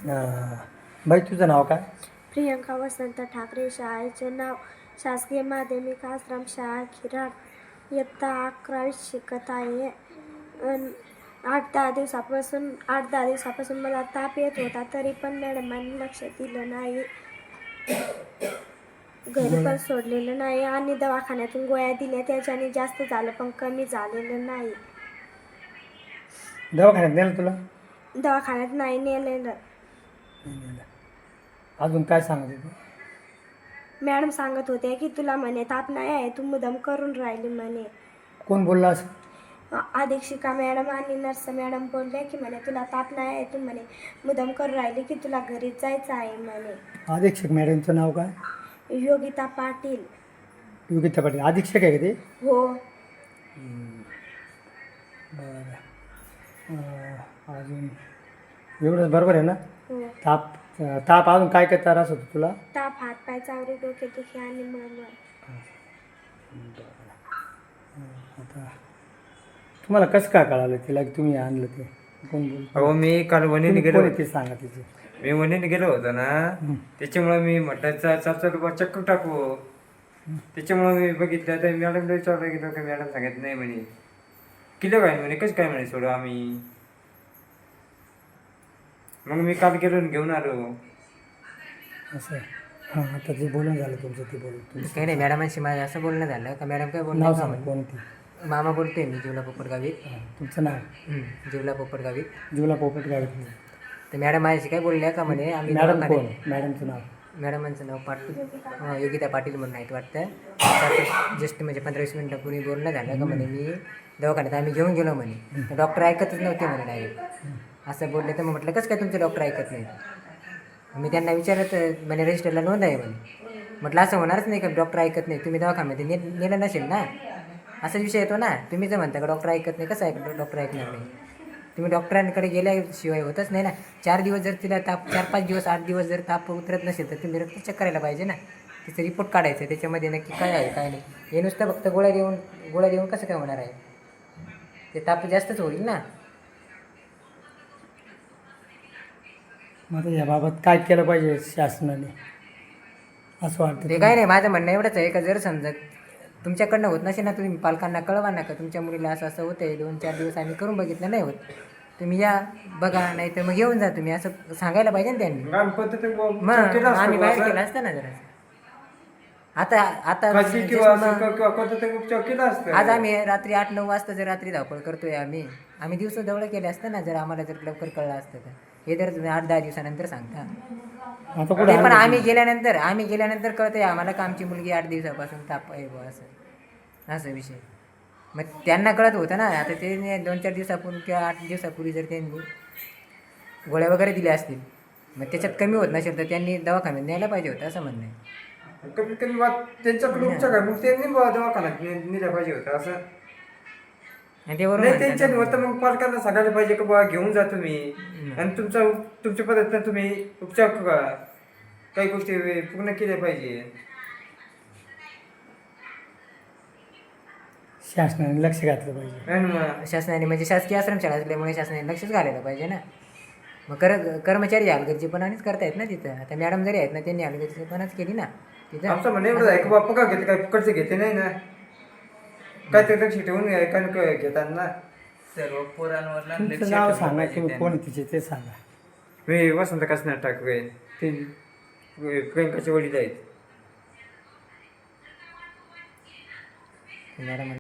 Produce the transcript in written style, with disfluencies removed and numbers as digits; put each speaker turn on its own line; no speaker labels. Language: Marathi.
बाई तुझं नाव काय?
प्रियंका वसंत ठाकरे. शाळेचे नाव शासकीय माध्यमिक आश्रम शाळा खिराड. इयत्ता 11वीत शिकत आहे. 8-10 दिवसापासून मला ताप येत होता, तरी पण मॅडमांनी लक्ष दिलं नाही. घरी पण सोडलेलं नाही आणि दवाखान्यातून गोळ्या दिल्या, त्याच्याने जास्त झालं पण कमी झालेलं नाही.
दवाखान्यात नेलं तुला?
दवाखान्यात नाही नेलेलं.
नाही नेलं. अजून काय सांगत होते?
मॅडम सांगत होते की तुला म्हणे ताप नाही आहे, तू मुद्दाम करून राहिली म्हणे.
कोण बोलला असं?
अधीक्षिका मॅडम आणि नर्स मॅडम बोलले की म्हणे तुला ताप नाही आहे, तू म्हणे मुद्दाम करून राहिली की तुला घरी जायचं आहे म्हणे.
अधीक्षक मॅडमचं नाव काय?
योगिता पाटील.
योगिता पाटील अधीक्षक आहे का ते?
हो.
बरं. अजून एवढंच बरोबर आहे ना?
हो.
ताप अजून काय काय त्रास होतो तुला?
ताप, हातपाय चावरे, डोकेदुखी आणि मळमळ.
आता तुम्हाला कसं काय कळालं तिला की तुम्ही आणलं ते? कोण बोल?
अहो मी काल वणीने गेलो.
ते सांगा तिचे.
मी वणीने गेलो होतो ना, त्याच्यामुळे मी म्हटलं चार चक्कर टाकू. त्याच्यामुळे मी बघितलं तर मॅडमला विचारलं गेलो की मॅडम सांगत नाही म्हणे. किलो काय म्हणे, कसं काय म्हणे सोडू आम्ही. मग मी काल गेलो आणि घेऊन आलो.
असं हां, आता जे बोलणं झालं तुमचं ते बोलून
काही नाही, मॅडमांशी माझं असं बोलणं झालं का मॅडम काय
नाव
बोलणं
सांगा कोणती?
मामा बोलतोय मी जिवला पोपटगावीत.
तुमचं नाव?
जिवला पोपटगावीत.
जीवला पोपट गावी.
तर मॅडम माझ्याशी काय बोलल्या का म्हणे आम्ही
मॅडम कोण? मॅडमचं नाव?
मॅडमांचं नाव पाटील, योगिता पाटील म्हणून आहेत वाटतं. जस्ट म्हणजे 15-20 मिनिटापूर्वी बोलणं झालं का म्हणे मी दवाखान्यात आम्ही घेऊन गेलो म्हणे, तर डॉक्टर ऐकतच नव्हते म्हणे डायरेक्ट असं बोलले. तर मग म्हटलं कसं काय तुमचे डॉक्टर ऐकत नाही? मी त्यांना विचारत म्हणे रजिस्टरला नोंद आहे म्हणे. म्हटलं असं होणारच नाही का डॉक्टर ऐकत नाही, तुम्ही दवाखान्यामध्ये नेलं नसेल ना, असा विषय येतो ना. तुम्ही जर म्हणता का डॉक्टर ऐकत नाही, कसं डॉक्टर ऐकणार नाही? तुम्ही डॉक्टरांकडे गेल्याशिवाय होतच नाही ना. 4 दिवस जर तिला ताप, 4-5 दिवस 8 दिवस जर ताप उतरत नसेल तर तुम्ही रक्त चेक करायला पाहिजे ना. तिचं रिपोर्ट काढायचं, त्याच्यामध्ये नक्की काय आहे काय नाही. हे नुसतं फक्त गोळ्या देऊन कसं काय होणार आहे? ते ताप जास्तच होईल ना.
मग आता याबाबत काय केलं पाहिजे शासनाने असं वाटतं?
ते काय नाही, माझं म्हणणं एवढंच आहे का जर समजा तुमच्याकडनं होत नसेल ना, तुम्ही पालकांना कळवा ना का तुमच्या मुलीला असं असं होतं आहे, 2-4 दिवस आम्ही करून बघितलं नाही होत, तुम्ही या बघा, नाही तर मग येऊन जा तुम्ही, असं सांगायला पाहिजे ना त्यांनी. मग आम्ही बाहेर केलं असतं ना जरा. आता आज आम्ही रात्री 8-9 वाजता जर रात्री धावपळ करतोय आम्ही दिवस जवळ केले असतं ना, जर आम्हाला जर लवकर कळलं असतं तर. हे जर तुम्ही 8-10 दिवसानंतर सांगता. ते पण आम्ही गेल्यानंतर कळतंय आम्हाला का आमची मुलगी 8 दिवसापासून ताप आहे बुवा, असं विषय. मग त्यांना कळत होतं ना. आता ते 2-4 दिवसापूर्वी किंवा 8 दिवसापूर्वी जर त्यांनी गोळ्या वगैरे दिल्या असतील, मग त्याच्यात कमी होत नसेल तर त्यांनी दवाखान्यात न्यायला पाहिजे होतं, असं म्हणणं आहे.
कमीत कमी त्यांच्याकडे उपचार आहे, मग त्यांनी दवाखान्यात नेल्या पाहिजे होतं असं.
आणि ते वरून
नाही त्यांच्या होतं, मग पालकांना सांगायला पाहिजे की बाबा घेऊन जा तुम्ही आणि तुमच्या पद्धतीनं तुम्ही उपचार करा, काही गोष्टी पूर्ण केल्या पाहिजे.
शासनाने लक्ष घातलं पाहिजे.
शासनाने म्हणजे शासकीय आश्रमशाळा असल्यामुळे शासनाने लक्षच घालायला पाहिजे ना. मग कर्मचारी हलगर्जीपणानेच करतायत ना तिथं. आता मॅडम जरी आहेत ना, त्यांनी हलगर्जीपणाच केली ना तिथं.
आमचं म्हणणं एवढं आहे की बाबा पगार घेते, काय फुकटचे घेते नाही ना, काहीतरी लक्ष ठेवून घेतात ना.
सर्व पोरांवर
तुमचं नाव सांगा, तुम्ही कोण तिचे ते सांगा.
मी वसंत कसनार ठाकरे, ते प्रियंकाचे वडील आहेत.
मॅडम